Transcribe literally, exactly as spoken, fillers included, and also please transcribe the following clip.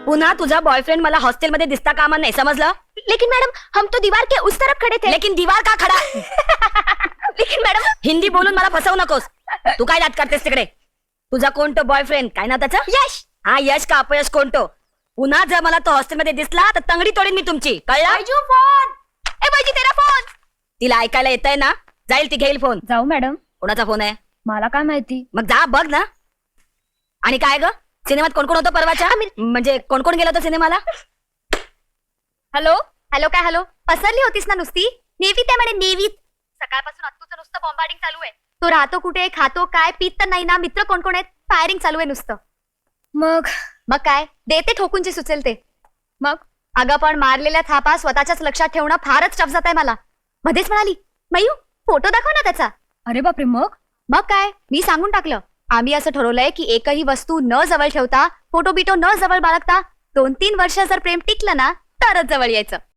पुन्हा तुझा बॉयफ्रेंड मला हॉस्टेलमध्ये दिसता कामा नाही, समजलं? लेकिन मैडम हम तो दीवार के उस तरफ खड़े थे। लेकिन दीवार का खडा? लेकिन मैडम हिंदी बोलून मला फसवू नकोस. तू काय नाट करतेस तिकडे? तुझा कोणतो बॉयफ्रेंड, काय ना त्याचं? यश. हा यश का अपयश कोणतो? पुन्हा जर मला तो हॉस्टेलमध्ये दिसला तर तंगडी तोडीन मी तुमची, कळलं? बैजू फोन. ए बैजी तेरा फोन. तिला ऐकायला येतंय ना? जाईल ती घेईल फोन. जाऊ मॅडम, कोणाचा फोन आहे? मला काय माहिती. मग जा बघ ना. आणि काय ग, सिनेमात कोण कोण होतं परवाच्या? म्हणजे कोण कोण गेलं होतं सिनेमाला? हॅलो हॅलो काय हॅलो, पसरली होतीस ना नुसती? नेवीत आहे म्हणे, नेवीत. सकाळपासून अत्तूचं नुसतं बॉम्बार्डिंग चालू आहे. तो राहतो कुठे, खातो काय, पित तर नाही ना, मित्र कोण कोण आहेत, फायरिंग चालू आहे नुसतं. मग मग काय देते ठोकून जे सुचेल ते. मग अगं पण मारलेल्या थापा स्वतःच्याच लक्षात ठेवणं फारच टफ जात आहे मला. मध्येच म्हणाली, मयू फोटो दाखव ना त्याचा. अरे बापरे, मग मग काय मी सांगून टाकलं, आम्ही असं ठरवलंय की एकही वस्तू न जवळ ठेवता, फोटो बिटो न जवळ बाळगता, दोन तीन वर्ष जर प्रेम टिकलं ना तरच जवळ यायचं.